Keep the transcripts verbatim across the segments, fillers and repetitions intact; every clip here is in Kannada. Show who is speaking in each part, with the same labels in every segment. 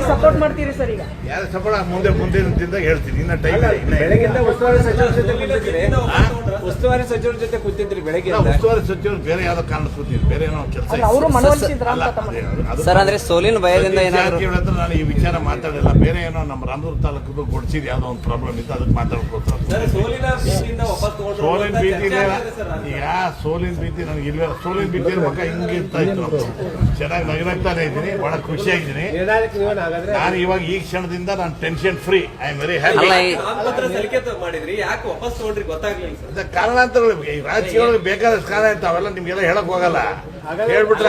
Speaker 1: ಸಪೋರ್ಟ್ ಮಾಡ್ತೀರಿ ಸರ್ ಈಗ?
Speaker 2: ಯಾರು ಸಪೋರ್ಟ್ ಮುಂದೆ ಮುಂದಿನ ದಿನದಾಗ ಹೇಳ್ತೀನಿ. ಇನ್ನ ಟೈಮ್
Speaker 3: ಬೆಳಗಿಂದ ಉಸ್ತುವಾರಿ ಸಚಿವರ ಜೊತೆ ಕೂತಿದ್ರಿ, ಉಸ್ತುವಾರಿ ಸಚಿವರ ಜೊತೆ ಕೂತಿದ್ರಿ ಬೆಳಗ್ಗೆ.
Speaker 2: ಉಸ್ತುವಾರಿ ಸಚಿವರು ಬೇರೆ ಯಾವ್ದೋ ಕಾರಣ ಕೂತಿದ್ರು, ಬೇರೆ ಏನೋ ಕೆಲಸ.
Speaker 1: ಅವರು ಮನವೊಲಿಸಿದ್ರ
Speaker 4: ಸರ್? ಅಂದ್ರೆ ಸೋಲಿನ ಭಯದಿಂದ
Speaker 2: ಹತ್ರ ನಾನು ಈ ವಿಚಾರ ಮಾತಾಡಿಲ್ಲ. ಬೇರೆ ಏನೋ ನಮ್ಮ ರಾಮದುರ್ಗ ತಾಲೂಕು ಗೊಡ್ಸಿದ್ ಯಾವ್ದೋ ಒಂದು ಪ್ರಾಬ್ಲಮ್ ಇತ್ತು, ಅದಕ್ಕೆ ಮಾತಾಡ್ಕೊತಾರೆ. ಸೋಲಿನ ಭೀತಿ ಈಗ ಸೋಲಿನ ಭೀತಿ ನನಗೆ ಇಲ್ವೇ. ಸೋಲಿನ ಭೀತಿ ಮಕ್ಕ ಹಿಂಗೆ ಇರ್ತಾ ಇತ್ತು. ಚೆನ್ನಾಗಿ ನಗನಗ್ತಾನೆ ಇದ್ದೀನಿ, ಬಹಳ ಖುಷಿಯಾಗಿದ್ದೀನಿ ನಾನು. ಇವಾಗ ಈ ಕ್ಷಣದಿಂದ ನಾನು tension free. I am very happy. ಕಾರಣಾಂತರಗಳು ಈ ರಾಜಕೀಯಗಳಿಗೆ ಬೇಕಾದಷ್ಟು ಕಾರಣ ಇರ್ತಾವೆ, ಅವೆಲ್ಲ ನಿಮ್ಗೆಲ್ಲ ಹೇಳಕ್ ಹೋಗಲ್ಲ. ಹೇಳ್ಬಿಟ್ರೆ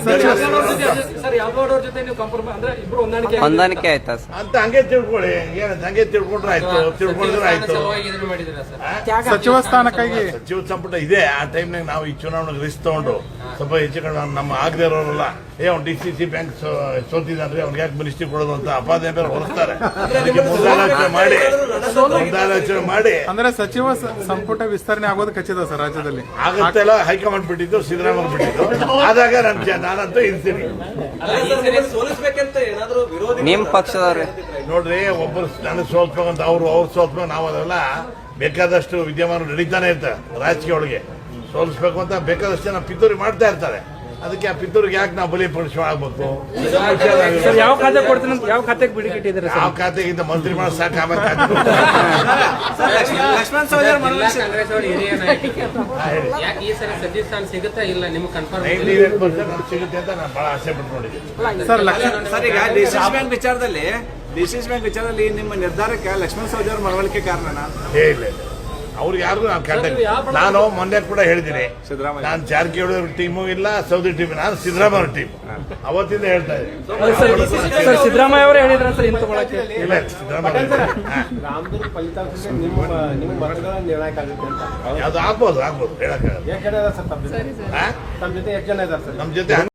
Speaker 4: ಹೊಂದಾಣಿಕೆ ಆಯ್ತಾ
Speaker 2: ಅಂತ ಹಂಗೆ ತಿಳ್ಕೊಳ್ಳಿ. ಏನ ಹಂಗೆ ತಿಳ್ಕೊಂಡ್ರೆ ಆಯ್ತು, ತಿಳ್ಕೊಂಡ್ರೆ ಆಯ್ತು.
Speaker 5: ಸಚಿವ ಸ್ಥಾನಕ್ಕಾಗಿ
Speaker 2: ಸಚಿವ ಸಂಪುಟ ಇದೆ. ಆ ಟೈಮ್ನಾಗ ನಾವು ಈ ಚುನಾವಣೆಗೆ ರಿಸ್ಕ್ ತಗೊಂಡು ಸ್ವಲ್ಪ ಹೆಚ್ಚು ಕಡೆ ನಮ್ಮ ಆಗದೆ ಇರೋರಲ್ಲ, ಏ ಅವ್ನು ಡಿ ಸಿ ಸಿ ಬ್ಯಾಂಕ್ ಸೋತಿದ್ರೆ ಅವ್ನಿಗೆ ಯಾಕೆ ಮಿನಿಸ್ಟ್ರಿ ಕೊಡೋದು ಅಂತ ಅಪಾದ ಬೇರೆ ಹೊರಸ್ತಾರೆ. ಅದಕ್ಕೆ ಮುಂದಾಲೋಚನೆ ಮಾಡಿ ಮುಂದಾಲೋಚನೆ ಮಾಡಿ
Speaker 5: ಅಂದ್ರೆ ಸಚಿವ ಸಂಪುಟ ವಿಸ್ತರಣೆ ಆಗೋದು ಖಚಿತ ಸರ್ ರಾಜ್ಯದಲ್ಲಿ.
Speaker 2: ಆಗತ್ತೆಲ್ಲ ಹೈಕಮಾಂಡ್ ಬಿಟ್ಟಿದ್ದು, ಸಿದ್ದರಾಮಯ್ಯ ಬಿಟ್ಟಿದ್ದು. ಆದಾಗ ನಾನು ನಾನಂತೂ ಇರ್ತೀನಿ.
Speaker 4: ನಿಮ್ ಪಕ್ಷದವ್ರೆ
Speaker 2: ನೋಡ್ರಿ, ಒಬ್ಬರು ನನಗೆ ಸೋಲ್ಸ್ಬೇಕಂತ ಅವ್ರು ಅವ್ರು ಸೋಲ್ಸ್ಬೇಕು ನಾವು ಅದೆಲ್ಲ ಬೇಕಾದಷ್ಟು ವಿದ್ಯಮಾನ ನಡೀತಾನೆ ಇರ್ತಾರೆ. ರಾಜಕೀಯ ಒಳಗೆ ಸೋಲಿಸ್ಬೇಕು ಅಂತ ಬೇಕಾದಷ್ಟು ಜನ ಪಿತೂರಿ ಮಾಡ್ತಾ ಇರ್ತಾರೆ. ಅದಕ್ಕೆ ಆ ಪಿತೂರಿಗೆ ಯಾಕೆ ನಾವು ಬಲಿ ಪಡಿಸಿ ಆಗ್ಬೇಕು?
Speaker 1: ಯಾವ ಖಾತೆ ಕೊಡ್ತೀನಿ ಅಂತ ಯಾವ ಖಾತೆಗೆ ಬಿಡಿ ಇಟ್ಟಿದ್ದಾರೆ?
Speaker 2: ಯಾವ ಖಾತೆಗಿಂತ ಮಂತ್ರಿ ಮಾಡೋ ಸಾಕು, ಆಮೇಲೆ ಖಾತೆ
Speaker 3: ಲಕ್ಷ್ಮಣ್ ಸವದಿ
Speaker 1: ಸಿಗುತ್ತಾ ಇಲ್ಲ ನಿಮ್ಗೆ ಕನ್ಫರ್ಮ್?
Speaker 2: ನೈಂಟಿ ಏಟ್ ಪರ್ಸೆಂಟ್ ಸಿಗುತ್ತೆ ಅಂತ ನಾನು ಬಹಳ ಆಸೆ ಪಟ್ಕೊಂಡಿದ್ದೀನಿ.
Speaker 3: ಸರ್, ಈಗ ಡಿಸಿಸಿ ಬ್ಯಾಂಕ್ ವಿಚಾರದಲ್ಲಿ ಡಿಸಿಸಿ ಬ್ಯಾಂಕ್ ವಿಚಾರದಲ್ಲಿ ನಿಮ್ಮ ನಿರ್ಧಾರಕ್ಕೆ ಲಕ್ಷ್ಮಣ್ ಸವದಿ ಅವರ ಮನವೊಲಿಕೆ ಕಾರಣನಾ?
Speaker 2: ಏ ಇಲ್ಲ ಇಲ್ಲ, ಅವ್ರಿಗೆ ಯಾರಿಗೂ ನಾನು ಕಾಂಟ್ಯಾಕ್ಟ್. ನಾನು ಮೊನ್ನೆ ಕೂಡ ಹೇಳಿದ್ದೀನಿ,
Speaker 3: ಸಿದ್ದರಾಮಯ್ಯ
Speaker 2: ನಾನು ಜಾರಕಿಹೊಳಿ ಟೀಮು ಇಲ್ಲ, ಸೌದಿ ಟೀಮ್, ನಾನು ಸಿದ್ದರಾಮಯ್ಯ ಟೀಮ್ ಅವತ್ತಿಂದ ಹೇಳ್ತಾ ಇದ್ದೀನಿ.
Speaker 1: ಸರ್, ಸಿದ್ದರಾಮಯ್ಯ ಅವರೇ ಹೇಳಿದ್ರ ಸರ್ ಇಂತ ಮಾಡಕ್ಕೆ?
Speaker 2: ಇಲ್ಲ, ಸಿದ್ದರಾಮಯ್ಯ
Speaker 6: ರಾಮದುರ್ಗ ಫಲಿತಾಂಶ ನಿಮ್ಮ ನಿಮ್ಮ ಮತಗಳ ನಿರ್ಣಾಯಕ ಆಗುತ್ತೆ ಅಂತ
Speaker 2: ಯಾವ್ದು ಆಗ್ಬೋದು ಆಗ್ಬೋದು ಹೇಳಕ್ಕಾಗಲ್ಲ.
Speaker 6: ಎಷ್ಟು ಜನ ಇದಾರೆ ಸರ್ ತಮ್ಮ ಜೊತೆ? ತಮ್ಮ ಜೊತೆ ಎಷ್ಟು ಜನ ಇದಾರೆ ಸರ್?
Speaker 2: ನಮ್ಮ ಜೊತೆ